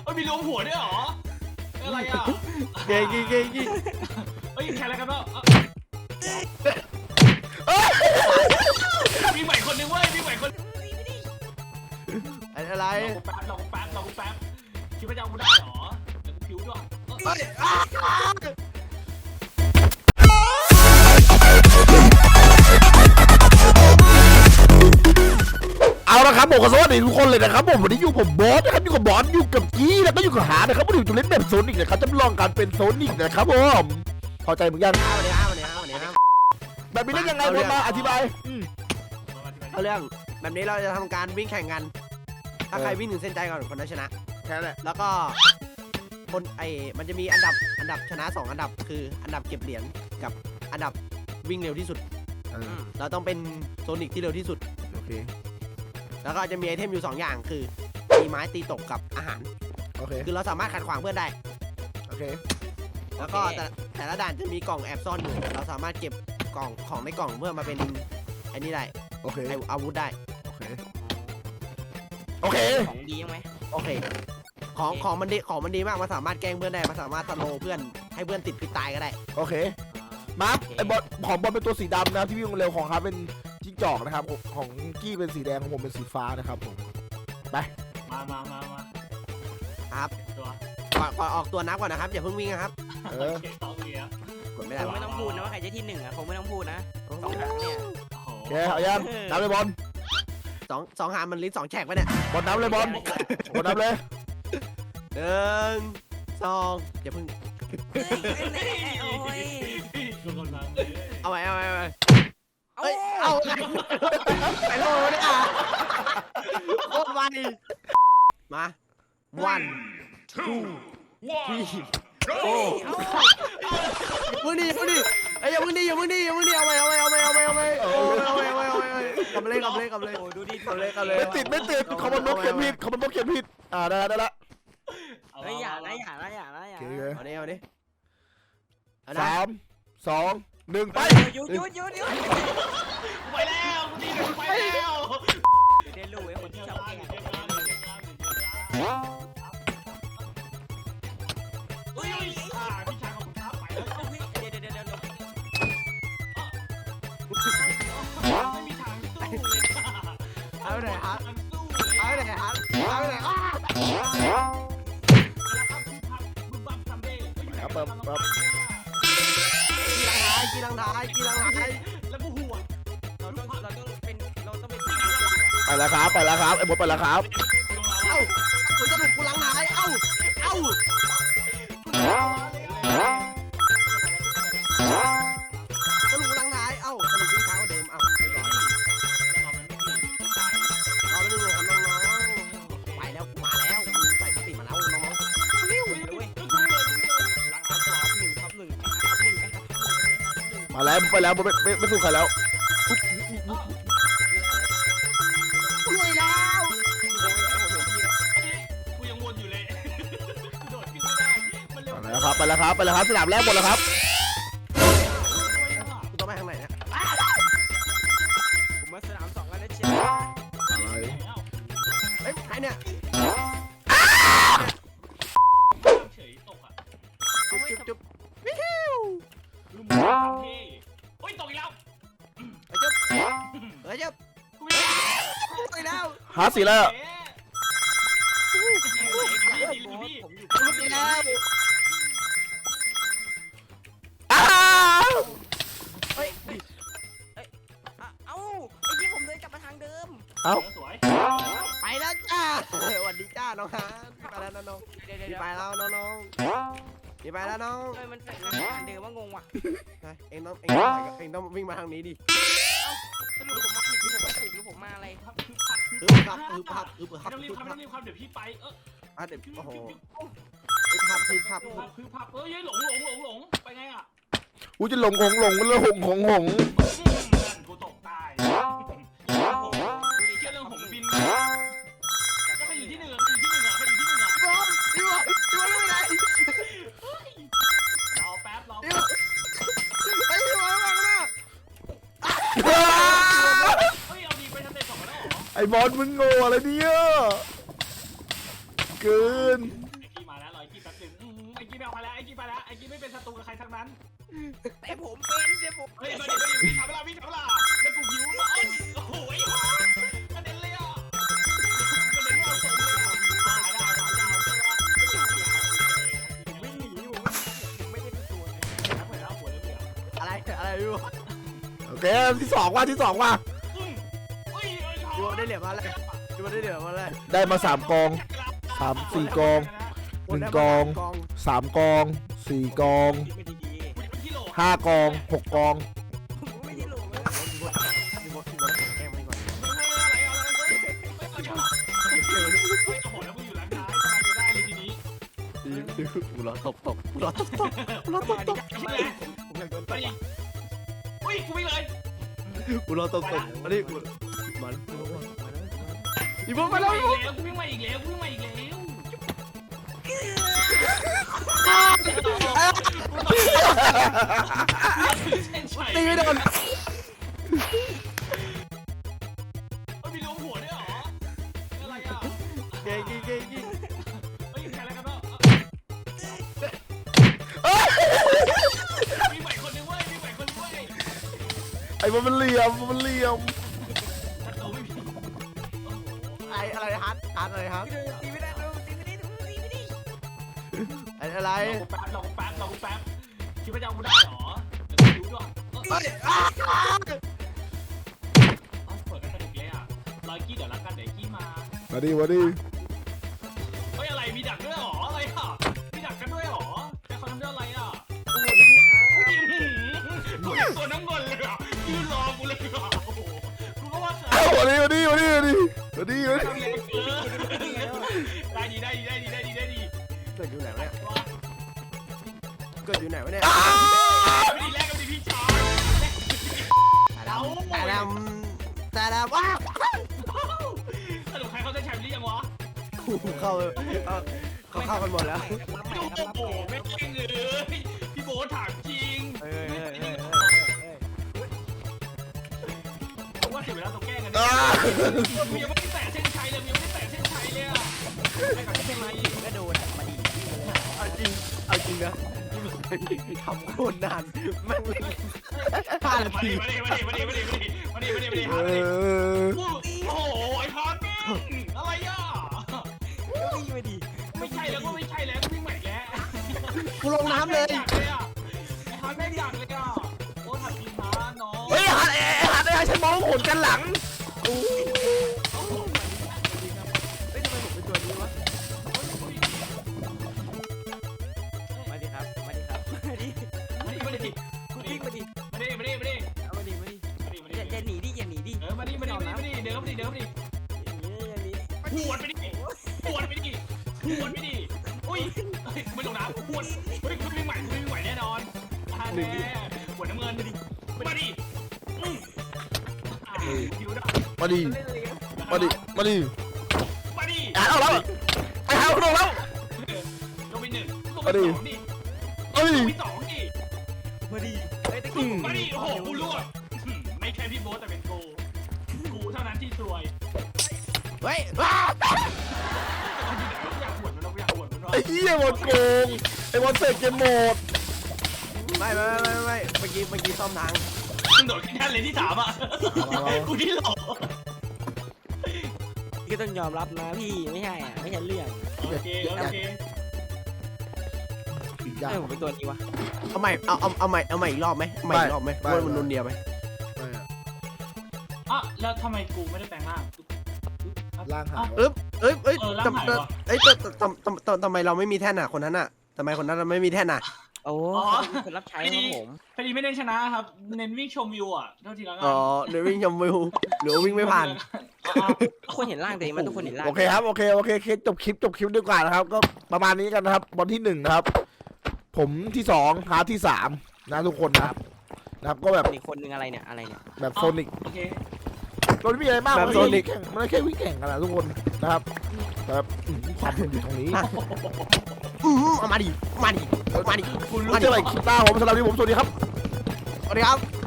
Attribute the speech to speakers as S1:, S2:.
S1: มีรวมหัวด้วยเหรออะไรอ่ะ
S2: เก่งเก่ง
S1: เฮ้ยแข่งอะไรกันเนาะมีใหม่คนนึงเว้ยมีใหม่คน
S2: อะไร
S1: ลองแป๊บคิดว่าจะเอาได้เหรอแล้วผิวด้วย
S2: เอาละครับผมขอสวัสดีทุกคนเลยนะครับผมวันนี้อยู่ผมบอสนะครับอยู่กับบอสอยู่กับกี้แล้วก็อยู่กับหานะครับวันนี้จะเล่นแบบโซนิกนะครับจะลองการเป็นโซนิกนะครับผมพอใจเหมือนกันแบบนี้เล่นยังไงผมมาอธิบาย
S3: เอาเรื่องแบบนี้เราจะทำการวิ่งแข่งกันถ้าใครวิ่งถึงเส้นใจก่อนคนนั้นชนะ
S2: แค่นั้นแหละ
S3: แล้วก็คนมันจะมีอันดับชนะ2อันดับคืออันดับเก็บเหรียญกับอันดับวิ่งเร็วที่สุดเราต้องเป็นโซนิกที่เร็วที่สุด
S2: โอเค
S3: แล้วก็จะมีไอเทมอยู่2อย่างคือมีไม้ตีตกกับอาหาร
S2: โอเค
S3: คือเราสามารถขัดขวางเพื่อนได้
S2: โอเค
S3: แล้วก็แต่ละด่านจะมีกล่องแอบซ่อนอยู่เราสามารถเก็บกล่องของในกล่องเพื่อมาเป็นอันนี้ได้
S2: โอเค
S3: อาวุธได้
S2: โอเค
S4: ของดีไหม
S3: โอเคของมันดีมากมันสามารถแกล้งเพื่อนได้มันสามารถสโลว์เพื่อนให้เพื่อนติดพิษตายก็ได้
S2: โอเคมาร์คไอบอลของบอลเป็นตัวสีดำนะครับที่วิ่งเร็วของครับเป็นจิ้งจอกนะครับของกี้เป็นสีแดงของผมเป็นสีฟ้านะครับผมไป
S1: มา
S3: ครับก่อนออกตัวนับก่อนนะครับอย่าเพิ่งวิ่งนะครับ
S1: กดไม่
S4: ได้ไม่ต้องพูดนะว่าใครจะที่1อ่ะคงไม่ต้องพูดนะ2หางเนี่ย
S2: โอเคเอายังนับเลยบอล
S3: สองหางมันลิ้น2แฉกไปเนี่ย
S2: บอลนับเลยบอลนับเลย
S3: 1 2อย่าเพิ่งเอาไว้เอาไปโลเนี่ยโคตรไวมา1 2 3 โอ้มึงดิไอ้อย่ามึงดิเอาไปกลับเลย
S4: โอ้ดูดิ
S2: ไม่ติดเขามันนกเขียนผิดได้ละ
S4: อย่า
S3: เอาดิ
S2: 3 2 1ไป
S4: หยุด
S1: ไปแล้วไปแล้ว
S4: เรียนรู้ไอ้คนที่ชอบแข่ง
S1: พี่ชายของผมท้าไปแล้ว
S4: เดี๋ยว
S1: ไม่มีทางสู้เลย
S3: เอาไหนฮะกีรังท้าย
S1: แล้วก็หัว
S4: เราต้องเป็น
S2: ไปแล้วครับไอ้บอสไปแล้วครับ
S3: กูจะหลุดกูลังท้ายสรุปกูลังท้ายสรุปวิ่งช้ากว่าเดิมเรียบร้อยรอไปดูครับน้องๆไปแล้วมาแล้วใส่สติมาแล้วน้องๆเร็ว
S2: มาแล้วไปแล้วไม่สู้ใครแล้ว
S3: รวยแล้ว
S1: กูยังวนอยู่เลยโดดขึ้นไม่ได้มันเร็ว
S2: ไปแล้วครับสนามแรกหมดแล้วครับ
S3: กูต้องไปทางไหนเนี่ย
S4: ผมมาสนาม2กันแล้วเชีย
S3: ใครเนี่ย
S1: เฉยตกอ่ะ
S3: จุ๊บ
S1: ลุมเท่โอ้ยตกอีกแล้ว
S3: จุ๊บไปแล้ว
S2: หาสีแล้ว
S3: ลุกไปแล้ว
S4: ไอ้ที่ผมเดินกลับมาทางเดิม
S1: สวย
S3: ไปแล้วจ้าสวัสดีจ้าน้องฮะไปแล้วน้องไปแล้วน้องไปแล้วน้อง
S4: มันทางเดิมว่างงว่ะ
S3: เองต้องวิ่งมาทางนี้ดิ
S4: สรุปผมมาผิดหรือผมมาถูกหรือผมมาอะไร
S3: พับ
S1: ไม่ต้องรีบเดี๋ยวพี่ไป
S3: เดี๋ยวโอ้โหพับ
S1: เฮ้ยหลงไปไงอ่ะ
S2: กูจะหลงมันเลยหง
S1: กูตกตายดูดิเชื่อเรื่องหงบินก็ไปอยู่ที่หนึ่งอ่ะ
S3: พี่บอลไม่ได้
S1: รอแป๊บ
S3: ไอ้พี่บอลมาแล้ว
S1: เฮ้ยเอาดีไปทำเด็ก2แล้วเหรอ
S2: ไอ้บอลมึงโง่อะไรเนี่ยเกิน
S1: ไอ้กี้มาแล้วไอ้กี้แป๊บนึงไอ้กี้ไม่เอาไปแล้วไอ้กี้ไปแล้วไอ้กี้ไม่เป็นศัตรูกับใครทั้งนั้น
S4: แต่ผมเป็นเดี๋ยวผม
S1: เฮ้ยมาดิพี่ทำเวลาแล้วกูหิวแล้วโอ้โหไอ้ห่ากระเด็นเลยอ่ะกระเด็นไม่เอาส่งเลยได้มาเจ้าใช่ปะ
S4: ผมวิ่งหนีอยู่ผมไม่ได้เป็นตัว
S1: แล้วหัวแล้วหัวแล้วเดี๋ยว
S3: อะไรอยู่
S2: โอเคที่สองว่ะ
S1: เฮ้ย
S3: ดูได้เหรียญมาแล้วดูได้เหรียญมาแล้ว
S2: ได้มา3 กอง 3 4 กอง 1 กอง 3 กอง 4 กอง
S4: ไม่ดี
S2: 5 กอง 6 กอง
S4: ผมไม่ได้หลงเลย
S3: มีบอสแกล้งมันก่อน กูรอตบกูรอตบผมอยากโดนตบ
S1: กูวิ่งเลย
S3: กูรอตบมาดิมันอีบอสมาแล้ว
S1: กูวิ่งมาอีกแล้วกูวิ่งมาอีกแล้ว
S3: ตีไม่โดน
S1: มีลมหัวด้วยเหรออะไรอ่ะ
S3: เก่ง
S1: เฮ้ยใครอะไรกันเนาะมีใหม่คนนึงเว้ยมีใหม่คนนึงเว้ย
S2: ไอ้มันเหลี่ยมมันเหลี่ยม
S1: ถ้าโตไม่มี
S3: อะไรฮาร์ดอะไรครับ
S4: ตีไม่ได้ตีไม่ได้ตีไม่ได้
S3: อะไร
S1: ลองแป๊บคิดว่าจะเอากูได้เหรอเดี๋ยวดูด้วยเปิดกันสนุกเลยอ่ะรอยกี้เดี๋ยวรักกันเดี๋ยวกี้มา
S2: มาดิมาดิ
S1: เฮ้ยอะไรมีดักด้วยเหรออะไรอ่ะมีดักกันด้วยเหรอแต่เขาทำด้วยอะไรอ่ะกูตัวน้ำเงินเลยอ่ะยืนรอกูเลยอ่ะโอ้โหกูก็ว่า
S2: มาดิมาดิมาดิมาดิมาดิมาดิ
S1: ได้ดี
S3: เกิดอยู่ไหนวะเนี่ยเกิดอยู่ไหนวะเนี่ย
S1: ไม่ดีแรกก็ดีพี่ชาย
S3: แต่ดำว้า
S1: สรุปใครเขาจะแชมป์หรือยังวะ
S3: เข้ากันหมดแล้ว
S1: โอ้โหไม่จริงเลยพี่โบ๊ทถามจริงผมว่าเสียเวลาต้องแก้กันเนี่ยมึงยังไม่ได้แตะเส้นชัยเลยอ่ะไม่กับเส้นชัย
S4: ก็โดนมาดี
S3: เอาจริงนะทำโคตรนานแม่งเลย5 นาที
S1: มาดิโอ้โหไอ้พอนอะไรอ่ะ
S4: วิ่งไม่ดี
S1: ไม่ใช่แล้วก็ไม่ใช่แล้ววิ่งใหม่แล้ว
S3: กูลงน้ำเลย
S1: ไอ้ฮาร์ดแม่งอยากเลยอ่ะโอ้ถัดทีมฮาร์ดน้อง
S2: เฮ้ยหัดฉันมองผลกันหลัง
S3: เฮ้ยทำไมผมเป็นตัวนี้วะ
S4: มาดีครับมาดีคุณวิ่งมาดีอย่าหนีดิอย่าหนีดิ
S1: เดินเข้าไปดิหวดไปดิอุ้ยไม่ลงน้ำหวดเฮ้ยคุณวิ่งใหม่แน่นอนแน่หวดน้ำเงินมาดิคิวได้
S2: มาดิ
S4: เล่นเลย
S2: มาดิมาดิ
S1: มาดิ
S2: เอาแล้วไอ้หาลงแล้ว
S1: ลงไป1ลงไป2ดิ
S2: เอ้ย
S1: ลงไป2ดิ
S4: มาดีไอ้ตะกี้
S1: มาดิโอ้โหกูรั่วไม่แค่พี่โบ๊ทแต่เป็นกูเท่านั้นที่ซวย
S3: เฮ้ย
S1: อยากหวดมัน
S2: ไอ้เหี้ยบอลโกงไอ้บอลเสกเกมโหมด
S3: ไม่เมื่อกี้ซ่อมทาง
S1: มึงโดดขึ้นแท่นเลยที่3อ่ะกูที่หลอก
S4: ก็ต้องยอมรับนะพี่ไม่ใช่ไม่ใช่เรื่อง
S1: โอเค
S4: ผมเป็นตัวนี้วะ
S3: เอาใหม่อีกรอบไหมว่ามันนุนเดียวไหม
S1: อ่ะแล้วทำไมกูไม่ได้แปลงร่าง
S2: ล่างหาย
S3: ทำไมเราไม่มีแท่นอ่ะคนนั้นอ่ะทำไมคนนั้นเราไม่มีแท่นอ่ะ
S4: โอ้คนรับใช้ของผม
S1: พอดีไม่ได้ชนะครับเน้นวิ่งชมวิวอ่ะเท่าที่แล้วกัน
S3: อ๋อเดี๋ยววิ่งชมวิวหรือวิ่งไม่ผ่าน
S4: ทุกคนเห็นร่างตัวเองมันทุกคนเห็นร่าง
S2: โอเคครับโอเคจบคลิปดีกว่านะครับก็ประมาณนี้กันนะครับบอลที่1นะครับผมที่2หาที่3นะทุกคนนะครับก็แบบ
S4: อีกคนนึงอะไรเนี่ย
S2: แบบโซนิก
S1: โอเค
S2: เราไม่มีอะไรมาก
S3: แบบ Sonic
S2: มันแค่วิ่งแข่งกันนะทุกคนนะครับแต่แบบความสนุกอยู่ตรงนี้
S3: มาดิ
S2: คุณรู้จะอะไรคลิปหน้าผมสำหรับที่ผมสวัสดีครับ
S3: สวัสดีครับ